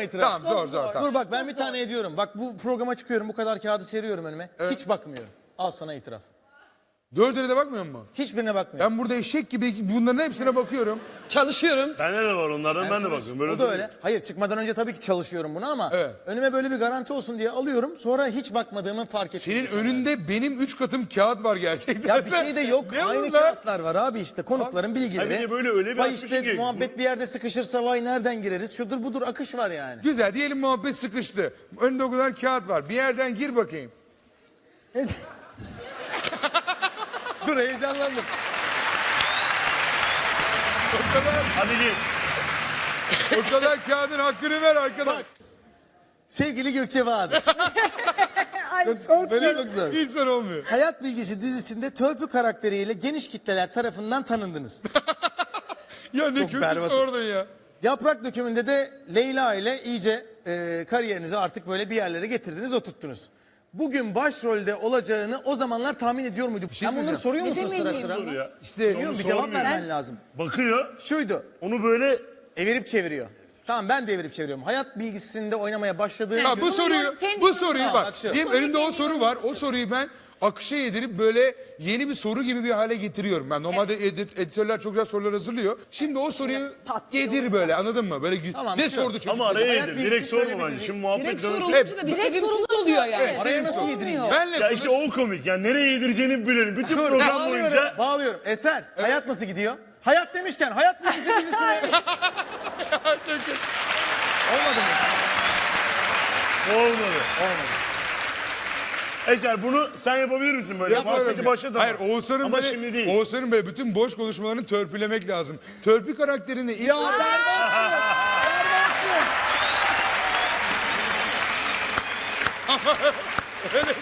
ama itiraf. Tamam zor. Tamam. Dur bak ben bir tane ediyorum. Bak bu programa çıkıyorum, bu kadar kağıdı seriyorum önüme. Hiç bakmıyorum. Al sana itiraf. Dördüne de bakmıyor musun? Hiçbirine bakmıyorum. Ben burada eşek gibi bunların hepsine bakıyorum. Çalışıyorum. Bende de var onlardan ben de bakıyorum. Böyle O da öyle. Hayır çıkmadan önce tabii ki çalışıyorum bunu ama Evet. önüme böyle bir garanti olsun diye alıyorum. Sonra hiç bakmadığımı fark ettim. Senin önünde benim 3 katım kağıt var gerçekten. Ya bir şey de yok. Ne Aynı bunlar? kağıtlar var abi işte. Konukların bilgileri. bir de böyle öyle bir Vay akmış işte ki- muhabbet bir yerde sıkışırsa vay nereden gireriz? Şudur budur akış var yani. Güzel diyelim muhabbet sıkıştı. Önünde o kadar kağıt var. Bir yerden gir bakayım. Dur heyecanlandım. Hadi git. O kadar kağıdın hakkını ver arkadaş. Bak. Sevgili Gökçe Bahadır. Böyle çok güzel. İnsan olmuyor. Hayat Bilgisi dizisinde Törpü karakteriyle geniş kitleler tarafından tanındınız. Ya ne Çok kötü berbat. sordun ya. Yaprak dökümünde de Leyla ile iyice kariyerinizi artık böyle bir yerlere getirdiniz, oturttunuz. Bugün başrolde olacağını o zamanlar tahmin ediyor muyduk? Sen bunları soruyor musun sıra sıra? Soru ya. İşte Biliyor musun? Bir cevap sormuyor. vermen lazım. Bakıyor. Şuydu, Onu böyle evirip çeviriyor. Tamam ben de evirip çeviriyorum. Hayat Bilgisi'nde oynamaya başladığım ya gün... bu soruyu Tamam, bak. bak şu. Diyelim önümde o soru var. O soruyu ben akışa yedirip böyle yeni bir soru gibi bir hale getiriyorum. Ben normalde editörler çok güzel sorular hazırlıyor. Şimdi o soruyu yedir böyle anladın mı? Böyle Tamam, ne şu. sordu çocuk? ama araya Hayat yedir. bilgisi Direkt şöyle sorma bir bence. dizi. Şimdi muhabbet Direkt dönüşü. sorulunca da bir sevimsiz oluyor yani. Araya nasıl yedireyim ya? Benle Ya işte o komik. Yani nereye yedireceğini bilelim. Bütün program boyunca. Bağlıyorum. Eser, hayat nasıl gidiyor? Hayat demişken Hayat Bilgisi dizisine... Olmadı mı? Olmadı. Olmadı. Eser bunu sen yapabilir misin böyle? Yapıyorum Muhabbeti ya. başlat ama. Hayır Oğuzhan'ın Ama böyle, şimdi değil. Oğuzhan'ın böyle bütün boş konuşmalarını törpülemek lazım. Törpü karakterini ilk... Ya berbatsın. Berbatsın.